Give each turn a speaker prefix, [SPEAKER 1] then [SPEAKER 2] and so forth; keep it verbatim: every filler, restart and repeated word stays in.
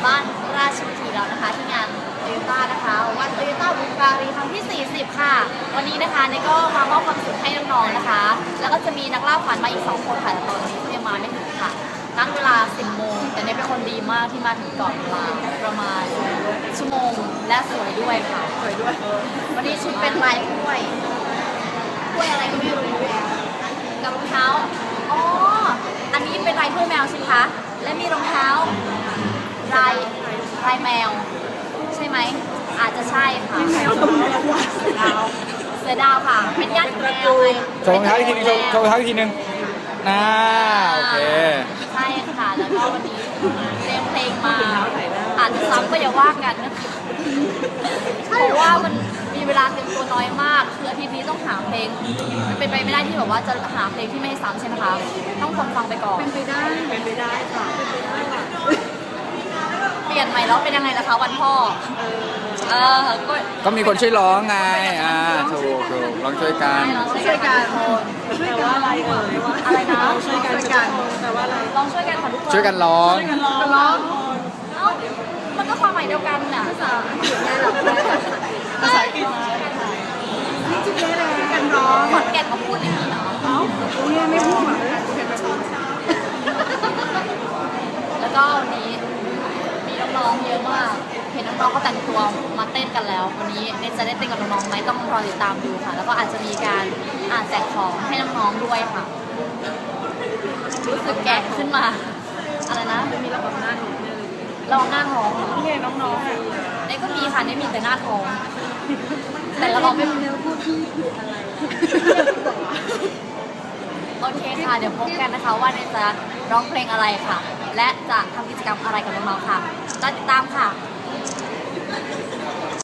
[SPEAKER 1] บ้านราชวิถีเรานะคะที่งานโตโยต้านะคะวันโตโยต้าบุการีครั้งที่สี่สิบค่ะวันนี้นะคะเนก็มามอบความสุขให้น้องๆนะคะแล้วก็จะมีนักล่าฝันมาอีกสองคนค่ะแต่ตอนนี้เขายังมาไม่ถึงค่ะตั้งเวลาสิบโมงแต่เนเป็นคนดีมากที่มาถึงก่อนเวลาประมาณชั่วโมงและสวยด้วยค่ะสวยด้วยวันนี้ชุดเป็นลายกล้วยกล้วยอะไรก็ไม่รู้กับรองเท้าอ๋ออันนี้เป็นลายถ้วยแมวใช่ไหมคะและมีรองเท้าลายลายแมวใช่ไหมอาจจะใช่ค่ะแมวตัวดาวเสือดาวค่ะเป็นญาติแมวไง
[SPEAKER 2] โชว์รองเท้าอีกทีนึงโชว์โชว์รองเท้าอีกทีนึงน่าโอเค
[SPEAKER 1] ใช่ค่ะแล้วก็วันนี้เตรียมเพลงมาอาจจะซ้ำก็อย่าว่ากันนะคะเพราะว่ามันมีเวลาเตรียมตัวน้อยมากคืออาทิตย์นี้ต้องหาเพลงมันเป็นไปไม่ได้ที่แบบว่าจะหาเพลงที่ไม่ให้ซ้ำใช่ไหมคะต้องคนฟังไปก่อน
[SPEAKER 3] เป็นไปได้เป็นไปได้ค่ะเป็นไปได้ค่ะ
[SPEAKER 1] เปลี่ยนใหม่แล้วเป็นยังไงล่ะคะวันพ่อเออก็
[SPEAKER 2] ก็มีคนช่วยร้องไงอ่าถูกถูกลองช่วยกัน
[SPEAKER 1] ช่วยกัน
[SPEAKER 3] ช่วยกันอะไรเอ่ย
[SPEAKER 1] อะไรนะ
[SPEAKER 3] ช่วยกันกันแต่ว่าอะไร
[SPEAKER 1] ลองช่วยกันค่ะทุกคน
[SPEAKER 2] ช่วยกันร้อง
[SPEAKER 3] ช่วยกันร้องร้อง
[SPEAKER 1] เอ้ามันก็ความหมายเดียวกันน่ะภาษา
[SPEAKER 3] ภาษาอังกฤษนี่จริงๆเลยกันร้อง
[SPEAKER 1] ขอนแก่นเขาพูดอย่างนี้เนาะ
[SPEAKER 3] เอ้าเนี่ยไม่พูดเหรอ
[SPEAKER 1] แล้วก็วันนี้มีน้องๆเยอะมากเห็นน้องๆเขาแต่งตัวมาเต้นกันแล้ววันนี้เนจะได้เต้นกับน้องๆไหมต้องรอติดตามดูค่ะแล้วก็อาจจะมีการอ่านแจกของให้น้องๆด้วยค่ะรู้สึกแก่ขึ้นมาอะไรนะ
[SPEAKER 3] มีระบบหน้าหนูเนี่ยเลย
[SPEAKER 1] ลองหน้าท้องเหรอ
[SPEAKER 3] นี่น้องๆอ่ะ
[SPEAKER 1] เนก็มีค่ะเนมีแต่หน้าท้องแต่ละเราไม่
[SPEAKER 3] เนื้อพูดที่ผิดอะไร
[SPEAKER 1] โอเคค่ะเดี๋ยวพบกันนะคะว่าเนจะร้องเพลงอะไรค่ะและจะทำกิจกรรมอะไรกับน้องๆค่ะรอติดตามค่ะ